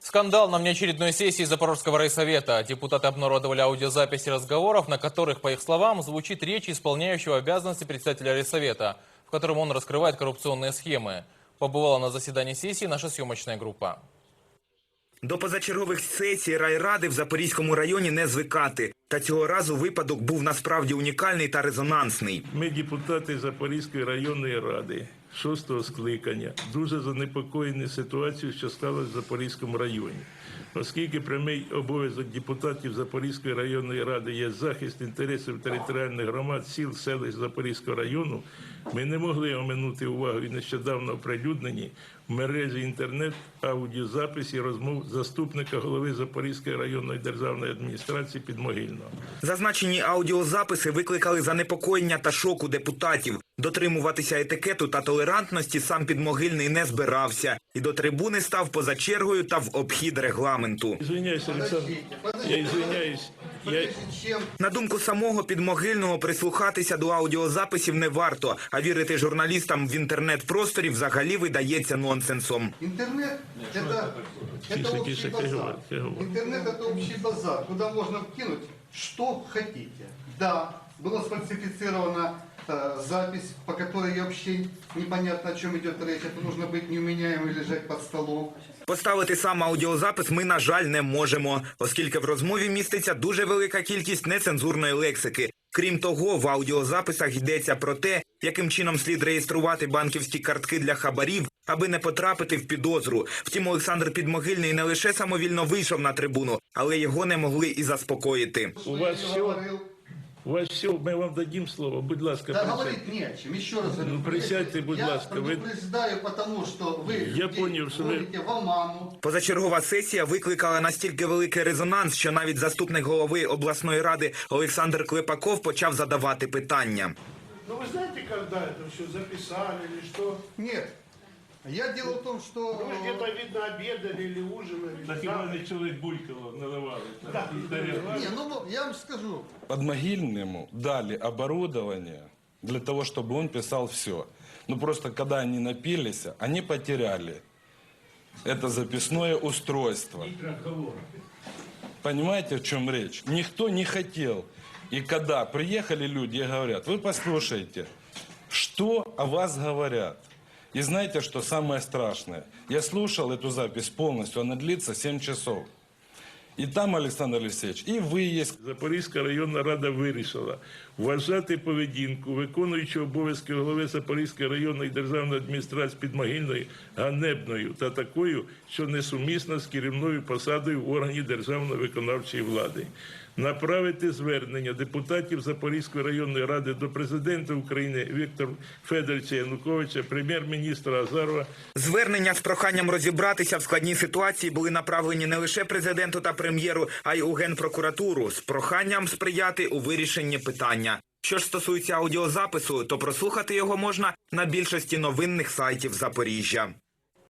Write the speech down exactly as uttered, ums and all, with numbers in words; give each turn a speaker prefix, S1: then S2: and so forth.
S1: Скандал на внеочередной сессии Запорожского райсовета. Депутаты обнародовали аудиозаписи разговоров, на которых, по их словам, звучит речь исполняющего обязанности председателя райсовета, в котором он раскрывает коррупционные схемы. Побывала на заседании сессии наша съемочная группа.
S2: До позачергових сесій райради в Запорізькому районі не звикати. Та цього разу випадок був насправді унікальний та резонансний.
S3: Ми, депутати Запорізької районної ради шостого скликання, дуже занепокоєні ситуацією, що сталося в Запорізькому районі. Оскільки прямий обов'язок депутатів Запорізької районної ради є захист інтересів територіальних громад, сіл, селищ Запорізького району, ми не могли оминути увагу і нещодавно оприлюднені в мережі інтернет аудіозаписі розмов заступника голови Запорізької районної державної адміністрації Підмогильного.
S2: Зазначені аудіозаписи викликали занепокоєння та шок у депутатів. Дотримуватися етикету та толерантності сам Підмогильний не збирався. І до трибуни став поза чергою та в обхід регламенту.
S3: Ізвиняюсь, Олександр, я ізвиняюсь. Я...
S2: На думку самого Підмогильного, прислухатися до аудіозаписів не варто, а вірити журналістам в інтернет-просторі взагалі видається нонсенсом.
S4: Интернет – это, это общий базар. Интернет – это общий базар, куда можно вкинуть, что хотите. Да, была сфальсифицирована э, запись, по которой вообще непонятно, о чем идет речь. Это нужно быть неуменяемым и лежать под столом.
S2: Поставити сам аудіозапис ми, на жаль, не можемо, оскільки в розмові міститься дуже велика кількість нецензурної лексики. Крім того, в аудіозаписах йдеться про те, яким чином слід реєструвати банківські картки для хабарів, аби не потрапити в підозру. Втім, Олександр Підмогильний не лише самовільно вийшов на трибуну, але його не могли і заспокоїти.
S3: У вас все, у вас все, ми вам дадим слово, будь ласка,
S4: да,
S3: присядьте.
S4: говорить не о чем, еще раз говорю.
S3: Ну, присядьте, будь ласка.
S4: Я предупреждаю, потому что вы
S3: Я понял, что вы...
S4: вводите в оману.
S2: Позачергова сесія викликала настільки великий резонанс, що навіть заступник голови обласної ради Олександр Клепаков почав задавати питання.
S5: Ну вы знаете, когда это все записали или что?
S4: Нет. Я дело в том, что...
S5: Вы где-то, видно, обедали или ужинали.
S3: Так і мене чоловік Булькало наливали.
S4: Не, ну я вам скажу.
S6: Подмогильному дали оборудование для того, чтобы он писал все. Ну просто когда они напились, они потеряли это записное устройство. Понимаете, в чем речь? Никто не хотел. И когда приехали люди и говорят, вы послушайте, что о вас говорят. И знаете, что самое страшное? Я слушал эту запись полностью, она длится семь часов. І там, Олександр Олексійович, і ви є.
S3: Запорізька районна рада вирішила вважати поведінку виконуючого обов'язки голови Запорізької районної державної адміністрації Підмогильної ганебною та такою, що несумісна з керівною посадою в органі державної виконавчої влади. Направити звернення депутатів Запорізької районної ради до президента України Віктора Федоровича Януковича, прем'єр-міністра Азарова.
S2: Звернення з проханням розібратися в складній ситуації були направлені не лише президенту та прем'єру, а й у Генпрокуратуру з проханням сприяти у вирішенні питання. Що ж стосується аудіозапису, то прослухати його можна на більшості новинних сайтів Запоріжжя.